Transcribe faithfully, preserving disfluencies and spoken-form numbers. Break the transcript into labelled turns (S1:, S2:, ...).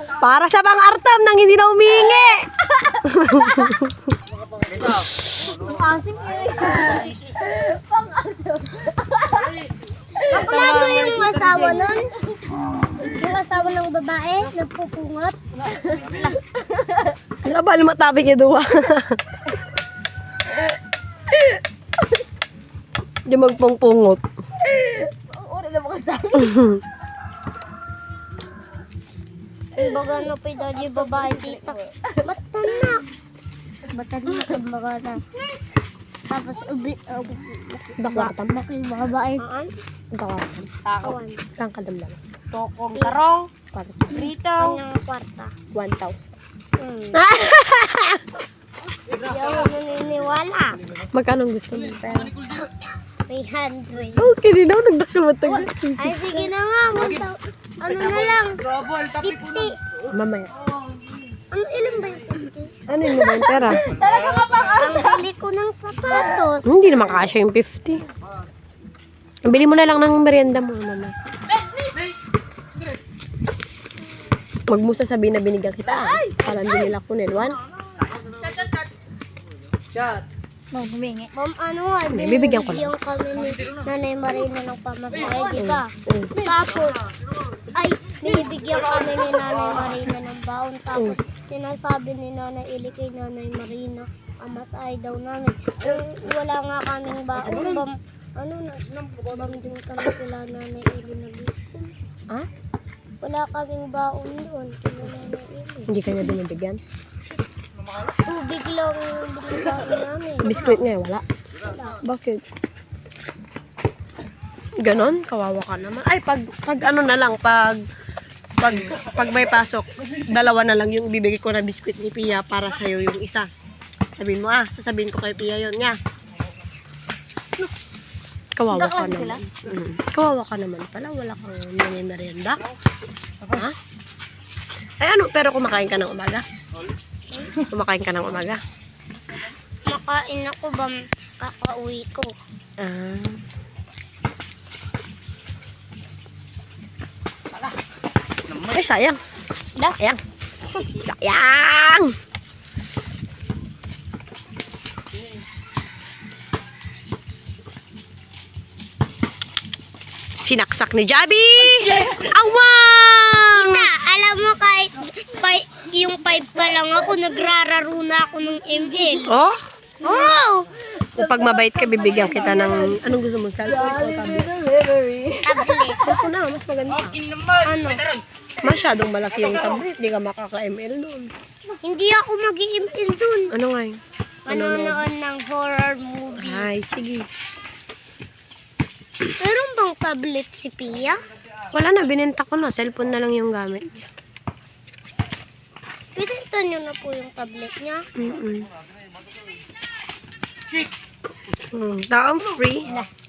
S1: Para sa pang-artam nang hindi na humingi.
S2: Asim yun. Pang-artam. Kapulado yung asawa nun. Yung asawa ng babae, nagpupungot.
S1: Nabal matabi niya duwa. Di magpungpungot.
S2: Ang uri na mga sabi. Baga na pa yung babae tita. Ba't tanak? Ba't tanak ang baga na? Tapos ubi, uh,
S1: Dakwartam.
S2: bakit babae?
S1: Dakwartam.
S2: Kawan.
S1: Kang kadamdam.
S3: Tokong karong,
S1: Kwarta.
S3: prito.
S2: Kanyang kwarta.
S1: One thousand.
S2: Hmm. Hindi ako naniniwala.
S1: Magkano gusto mo? Pera.
S2: three hundred.
S1: Okay, di na ako nagdakal matag.
S2: Ay, sige na nga. Magta ano na lang? fifty.
S1: Mamaya.
S2: Ano, ilan ba yung fifty?
S1: Ano yun ba yung pera?
S2: Ang bili ko ng sapatos.
S1: Hindi naman kasya yung fifty. Bili mo na lang ng merienda mo, mama. Wag mo sasabihin na binigyan kita. Parang hindi nila kunin. One?
S2: Ma'am, humingi. Ma'am, ano nga,
S1: Hindi, bibigyan ko lang.
S2: binibigyan kami ni Nanay Marina ng pamasahe, di ba?
S1: Mm.
S2: Tapos, ay, binibigyan kami ni Nanay Marina ng baon. Tapos, sinasabi ni Nanay Ili kay Nanay Marina, ang masahe daw namin. Kung wala nga kaming baon, bam, ano na, bam din kami kila Nanay Ili nag-school.
S1: Ha?
S2: Wala kaming baon doon, kila Nanay Ili.
S1: Hindi kanya binibigyan.
S2: Tubig lang binibigyan namin.
S1: Biskuit nga, wala. Bakit? Ganon? Kawawa ka naman. Ay, pag, pag ano na lang, pag, pag, pag may pasok, dalawa na lang yung ibibigay ko na biskuit ni Pia para sa'yo yung isa. Sabihin mo, ah, sasabihin ko kay Pia yun, nga. Kawawa ka naman. Mm. Kawawa ka naman pala, wala kang merienda. Ha? Ay, ano, pero kumakain ka ng umaga? Kumakain ka ng umaga?
S2: Makain ako ba kakauwi ko?
S1: Ah. Ay, sayang.
S2: Da?
S1: Sayang. Sayang. Sinaksak ni Jabi. Awang!
S2: Tita, alam mo kahit pa, yung five pa lang ako, nagrararo na ako ng M L.
S1: Oh,
S2: Oh!
S1: kung pag mabait ka, bibigyan kita ng... Anong gusto mo? Cellphone o tablet?
S2: Tablet.
S1: Cellphone na, mas maganda.
S2: Ano?
S1: Masyadong malaki yung tablet. Di ka makaka-M L doon.
S2: Hindi ako mag-i-M L dun.
S1: Ano nga yun?
S2: Manonood ng horror movie.
S1: Ay, sige.
S2: Meron bang tablet si Pia?
S1: Wala na, binenta ko na. Cellphone na lang yung gamit.
S2: Pinenta niyo na po yung tablet niya.
S1: Mm-mm. Hmm, taong free.